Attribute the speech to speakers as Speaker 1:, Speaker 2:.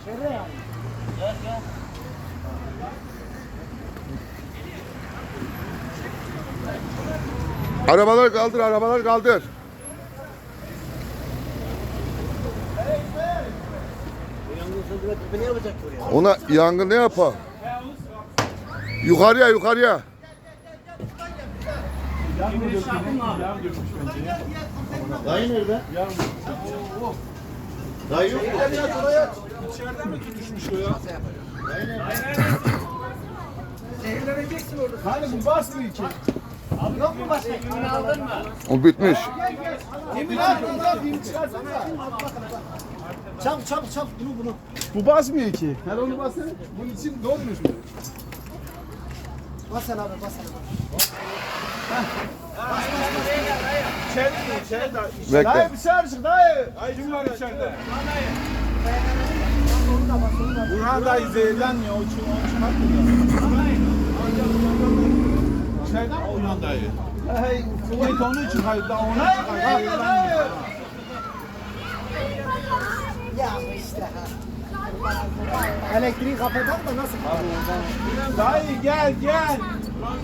Speaker 1: Arabalar kaldır, arabalar kaldır.
Speaker 2: Ne yapacak oraya?
Speaker 1: Ona yangın ne yapar? Yukarıya, yukarıya.
Speaker 2: Dayı nerede? Dayı yok mu?
Speaker 3: İçeriden mi tutuşmuş o ya?
Speaker 4: Zehirleneceksin orada.
Speaker 3: Hani bu basmıyor ki.
Speaker 4: Yok mu başka? Yemin aldın mı?
Speaker 1: O bitmiş.
Speaker 3: Yemin aldın lan, yemin çıkarsana.
Speaker 2: Çabuk bunu.
Speaker 3: Bu basmıyor ki. Her onu bassana. Bunun için dolmuş mu?
Speaker 2: Bas sen abi.
Speaker 3: İçeride.
Speaker 1: Bekle.
Speaker 3: Dayı dışarı çık dayı. Kim var içeride? Burhan dayı zehirlenmiyor. O için bakmıyor. İçeriden mi Burhan dayı? Hey, kuvvet onun için hayır. Daha ona çıkar.
Speaker 2: Ya işte ha. Elektriği kapatalım da nasıl?
Speaker 3: Dayı gel.